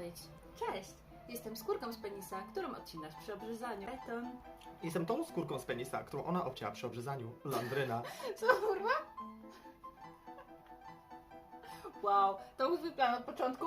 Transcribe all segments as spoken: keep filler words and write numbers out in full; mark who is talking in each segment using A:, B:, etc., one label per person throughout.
A: powiedzieć. Cześć, jestem skórką z penisa, którą odcinasz przy obrzezaniu. Beton.
B: Jestem tą skórką z penisa, którą ona obcięła przy obrzezaniu. Landryna.
A: Co, kurwa? Wow, to był plan od początku.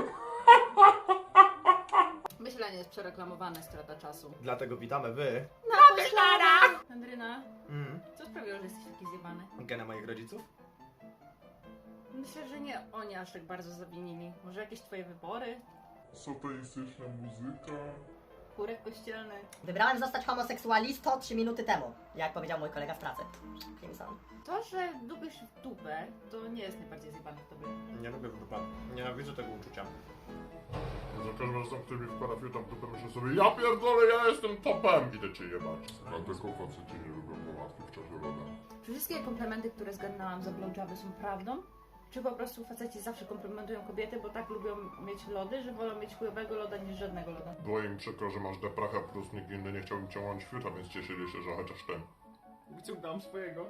A: Myślenie jest przereklamowane, strata czasu.
B: Dlatego witamy wy.
A: Na poszlarach! Landryna,
B: Mm.
A: co sprawiło, że jesteś taki zjebany?
B: Gena moich rodziców?
A: Myślę, że nie oni aż tak bardzo zawinili. Może jakieś twoje wybory?
C: Satanistyczna muzyka.
A: Chórek kościelny.
D: Wybrałem zostać homoseksualistą trzy minuty temu, jak powiedział mój kolega z pracy. Kimson.
A: To, że lubisz w dupę, to nie jest najbardziej zjebane w tobie.
B: Nie lubię dupa. Nienawidzę tego uczucia.
C: Za każdym razem, który mi wkłada fiuta w dupę, myślę sobie, ja pierdolę, ja jestem topem! Idę cię jebać. Dlatego faceci nie lubią połatki w czasie roda.
A: Czy wszystkie komplementy, które zgadnęłam za blowjoby są prawdą? Czy po prostu faceci zawsze komplementują kobiety, bo tak lubią mieć lody, że wolą mieć chujowego loda niż żadnego loda?
C: Było im przykro, że masz deprachę, plus nikt inny nie chciał im ciągnąć fiuta, więc cieszyli się, że chociaż ten.
B: Wyciągnąłem swojego.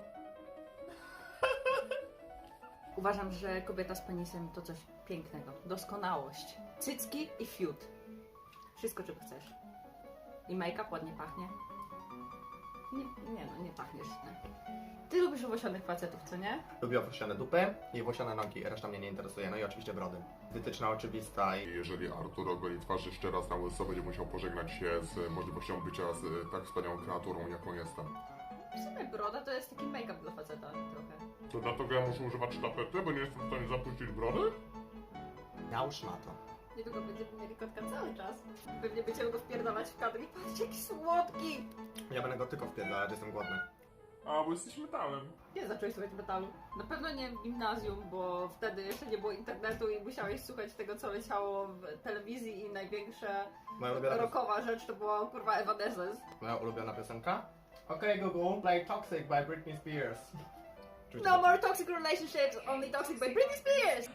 A: Uważam, że kobieta z penisem to coś pięknego. Doskonałość. Cycki i fiut. Wszystko, czego chcesz. I make-up ładnie pachnie. Nie, nie no, nie pachniesz źle. Ty lubisz owłosionych facetów, co nie?
B: Lubię owłosione dupy i owłosione nogi, reszta mnie nie interesuje. No i oczywiście brody. Wytyczna oczywista
C: I
B: i...
C: jeżeli Artur ogoli twarz jeszcze raz na łyso, będzie musiał pożegnać się z możliwością bycia z tak wspaniałą kreaturą, jaką jestem.
A: W sumie broda to jest taki make-up dla faceta trochę.
C: To dlatego ja muszę używać sztafety, bo nie jestem w stanie zapuścić brody?
B: Nałóż na to.
A: Niedługo będziemy mieli kotka cały czas. Pewnie będziemy go wpierdalać w kadr i patrz, jaki słodki!
B: Ja będę go tylko wpierdalać, jestem głodny.
C: A, bo jesteś metalem.
A: Nie zacząłeś słuchać metalu. Na pewno nie w gimnazjum, bo wtedy jeszcze nie było internetu i musiałeś słuchać tego, co leciało w telewizji i największa
B: Moja ulubiona,
A: rockowa rzecz to była kurwa Evanescence.
B: moja ulubiona piosenka? Okej, Google, play Toxic by Britney Spears. Oczywiście
A: No
B: to-
A: more toxic relationships, only toxic by Britney Spears!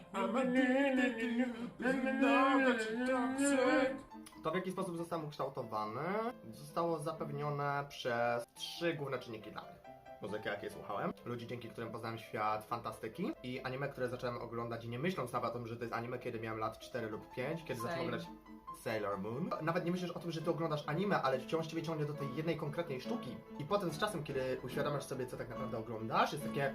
B: To, w jaki sposób zostałem ukształtowany, zostało zapewnione przez trzy główne czynniki dla mnie. Muzykę, jakiej słuchałem, ludzi, dzięki którym poznałem świat fantastyki i anime, które zacząłem oglądać nie myśląc nawet o tym, że to jest anime, kiedy miałem lat cztery lub pięć, kiedy
A: Same.
B: zacząłem oglądać Sailor Moon. Nawet nie myślisz o tym, że ty oglądasz anime, ale wciąż ciebie ciągnie do tej jednej konkretnej sztuki. I potem z czasem, kiedy uświadamiasz sobie, co tak naprawdę oglądasz, jest takie...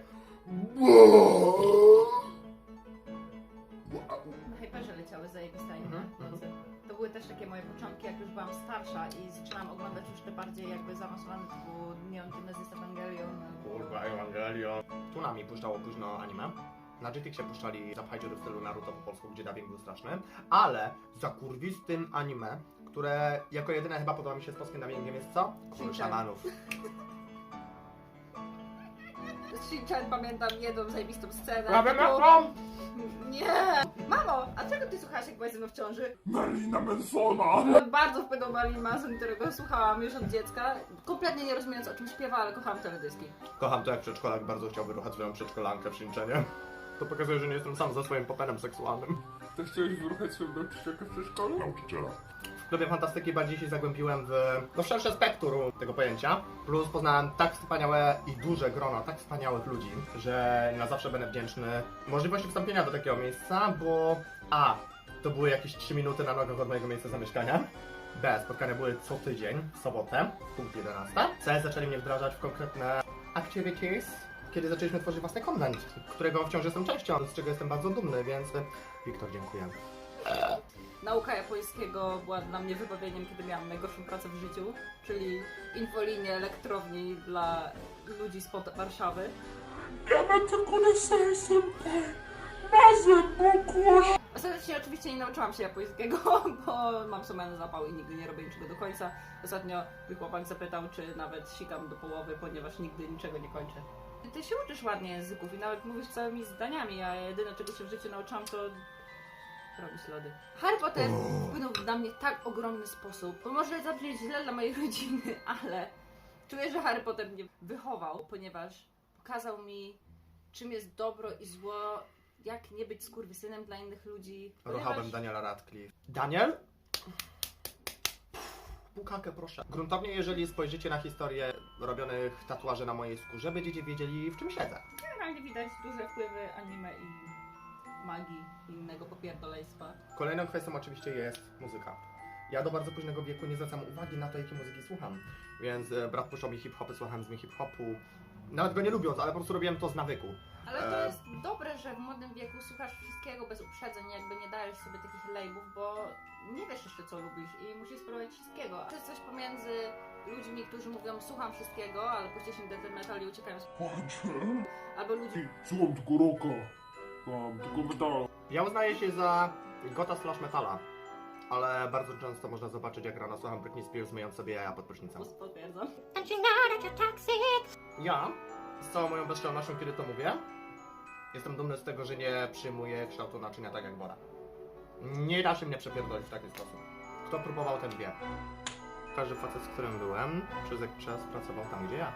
A: Na Hyperze leciały zajebiste anime.
B: Mhm, mhm.
A: To były też takie moje początki, jak już byłam starsza i zaczynałam oglądać już te bardziej jakby zaawansowane typu Neon Genesis Evangelion.
B: Kurwa, Evangelion. Tunami puszczało późno anime. Na Jetixie puszczali zapchajcie w stylu Naruto po polsku, gdzie dubbing był straszny. Ale za kurwistym anime, które jako jedyne chyba podoba mi się z polskim dubbingiem, jest co? Król
A: Shinchan.
B: szamanów.
A: Z Shinchan pamiętam jedną zajebistą scenę.
B: Prawie
A: typu-
B: metron!
A: Nie! Mamo, a czego ty słuchałaś, jak byłaś ze mną w ciąży?
C: Marlina Mansona!
A: Bardzo wpłynął Marilyn Manson, którego słuchałam już od dziecka. Kompletnie nie rozumiejąc, o czym śpiewa, ale kochałam teledyski.
B: Kocham to, jak przedszkolak bardzo chciał wyruchać swoją przedszkolankę w Shinchanie. To pokazuje, że nie jestem sam za swoim popenem seksualnym.
C: Ty chciałeś wyruchać swoją nauczycielkę w przedszkolu? Nauczyciela.
B: W klubie fantastyki bardziej się zagłębiłem w no, szersze spektrum tego pojęcia. Plus poznałem tak wspaniałe i duże grono tak wspaniałych ludzi, że na zawsze będę wdzięczny możliwości wstąpienia do takiego miejsca, bo a, to były jakieś trzy minuty na nogach od mojego miejsca zamieszkania. B, spotkania były co tydzień, w sobotę, punkt jedenasty. C, zaczęli mnie wdrażać w konkretne activities, kiedy zaczęliśmy tworzyć własny content, którego wciąż jestem częścią, z czego jestem bardzo dumny, więc Wiktor, dziękuję.
A: Nauka japońskiego była dla mnie wybawieniem, kiedy miałam najgorszą pracę w życiu, czyli infolinię elektrowni dla ludzi spod Warszawy. Ostatecznie oczywiście nie nauczyłam się japońskiego, bo mam sumienny zapał i nigdy nie robię niczego do końca. Ostatnio mój chłopak zapytał, czy nawet sikam do połowy, ponieważ nigdy niczego nie kończę. Ty się uczysz ładnie języków i nawet mówisz całymi zdaniami, a jedyne czego się w życiu nauczyłam to robić lody. Harry Potter wpłynął na mnie w tak ogromny sposób, bo może zabrzmieć źle dla mojej rodziny, ale czuję, że Harry Potter mnie wychował, ponieważ pokazał mi, czym jest dobro i zło, jak nie być skurwysynem dla innych ludzi.
B: Ruchałem Daniela Radcliffe. Daniel? Bukakę, proszę. Gruntownie, jeżeli spojrzycie na historię robionych tatuaży na mojej skórze, będziecie wiedzieli, w czym siedzę.
A: Generalnie widać duże wpływy anime i magii i innego popierdolejstwa.
B: Kolejną kwestią oczywiście jest muzyka. Ja do bardzo późnego wieku nie zwracam uwagi na to, jakie muzyki słucham. Więc e, brat puszczał mi hip-hopy, słuchałem z nim hip-hopu. Nawet go nie lubiąc, ale po prostu robiłem to z nawyku.
A: Ale to
B: E,
A: jest dobre, że w młodym wieku słuchasz wszystkiego bez uprzedzeń, jakby nie dajesz sobie takich labelów, bo nie wiesz jeszcze co lubisz i musisz spróbować wszystkiego. To jest coś pomiędzy ludźmi, którzy mówią słucham wszystkiego, ale później się death metal i uciekają z...
C: Patrzę.
A: Albo ludzi...
C: Słucham tylko rocka. Tam, tylko metal.
B: Ja uznaję się za gota slash metala. Ale bardzo często można zobaczyć, jak rano słucham Britney Spears, myjąc sobie jaja pod prysznicem.
A: Potwierdzam.
B: Ja, z całą moją bezczelnością, kiedy to mówię, jestem dumny z tego, że nie przyjmuję kształtu naczynia tak jak Bora. Nie da się mnie przepierdolić w taki sposób. Kto próbował, ten wie. Każdy facet, z którym byłem, przez jakiś czas pracował tam, gdzie ja.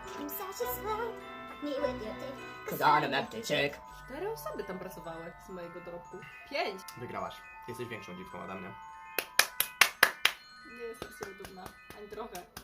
D: Cause I'm an empty chick.
A: Cztery osoby tam pracowały z mojego dorobku. Pięć!
B: Wygrałaś. Jesteś większą dziwką ode mnie.
A: Nie jestem sobie dumna. Ani trochę.